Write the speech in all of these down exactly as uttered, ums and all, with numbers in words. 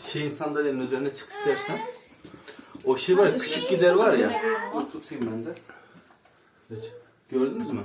şeyin sandalyenin üzerine çık istersen. O şey var ya, küçük gider var ya. Dur tutayım ben de. Evet. Gördünüz mü?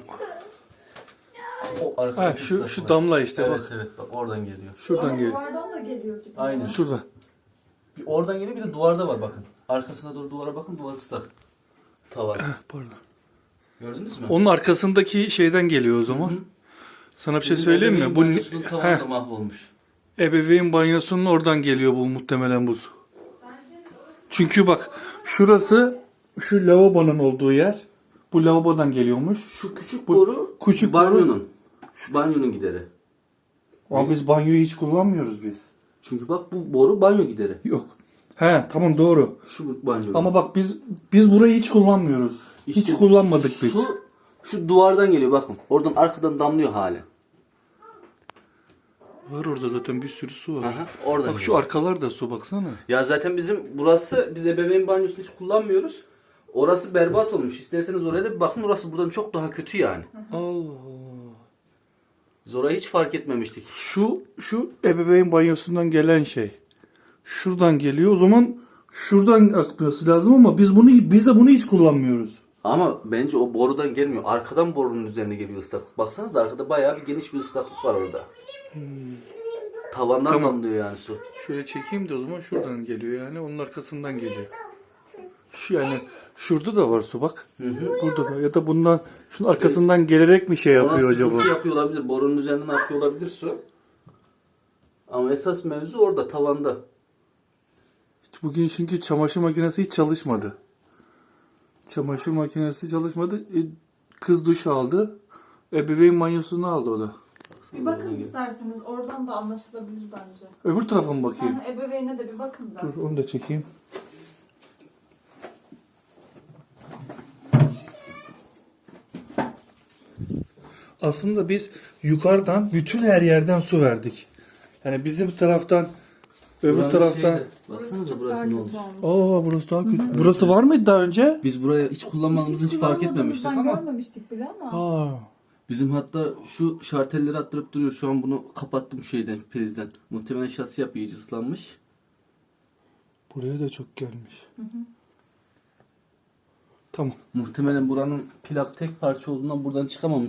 O Ha, arkadaki şu ıslak şu var. damla işte Evet bak. evet bak oradan geliyor. Şuradan Ama geliyor. duvardan da geliyor gibi. Aynen. Şurada. Bir oradan geliyor bir de duvarda var bakın. Arkasına doğru duvara bakın, duvar ıslak. Tavan. Heh, pardon. Gördünüz mü? Onun arkasındaki şeyden geliyor o zaman. Hı hı. Sana bir şey Bizim söyleyeyim mi? ebeveyn Bu banyosunun tavanı heh, da mahvolmuş. ebeveyn banyosunun oradan geliyor bu muhtemelen bu su. Çünkü bak şurası şu lavabonun olduğu yer. Bu lavabodan geliyormuş. Şu küçük Bu boru küçük banyonun. Şu banyonun gideri. Ama biz banyoyu hiç kullanmıyoruz biz. Çünkü bak bu boru banyo gideri. Yok. He tamam doğru. Şu banyo. Ama bak biz biz burayı hiç kullanmıyoruz. İşte hiç kullanmadık biz. Şu, şu duvardan geliyor bakın. Oradan arkadan damlıyor hali. Var orada zaten bir sürü su var. Aha, oradan Bak şu geliyor. arkalar da su baksana. Ya zaten bizim burası, biz ebeveyn banyosunu hiç kullanmıyoruz. Orası berbat olmuş. İsterseniz oraya da bir bakın, orası buradan çok daha kötü yani. Allah. Biz orayı hiç fark etmemiştik. Şu şu ebeveyn banyosundan gelen şey. Şuradan geliyor. O zaman şuradan akması lazım ama biz bunu biz de bunu hiç kullanmıyoruz. Ama bence o borudan gelmiyor. Arkadan borunun üzerine geliyor ıslaklık. Baksanıza arkada bayağı bir geniş bir ıslaklık var orada. Tavandan Tamam. damlıyor yani su. Şöyle çekeyim de o zaman şuradan geliyor yani. Onun arkasından geliyor. Şu yani şurada da var su bak. Hı hı. Burada da ya da bundan şunun arkasından gelerek mi şey yapıyor Ona acaba? sızıntı yapıyor olabilir. Borunun üzerinden akıyor olabilir su. Ama esas mevzu orada, tavanda. İşte bugün çünkü çamaşır makinesi hiç çalışmadı. Çamaşır makinesi çalışmadı. E, kız duş aldı. Ebeveyn banyosunu aldı o da. Bir bakın isterseniz, oradan da anlaşılabilir bence. Öbür tarafa mı bakayım? Yani ebeveyne de bir bakın da. Dur onu da çekeyim. Aslında biz yukarıdan bütün her yerden su verdik. Yani bizim taraftan öbür Buranın taraftan şeyde, baksanıza çok burası daha ne kötü olmuş. olmuş. Aa burası daha kötü. Burası var mıydı daha önce? Biz buraya hiç kullanmadığımızı hiç fark etmemiştik kullanmadığımızdan ama görmemiştik bile ama. Aa. bizim hatta şu şartelleri attırıp duruyor. Şu an bunu kapattım şeyden, prizden. Muhtemelen şasi yapı iyice ıslanmış. Buraya da çok gelmiş. Tamam. Muhtemelen buranın plak tek parça olduğundan buradan çıkamamış.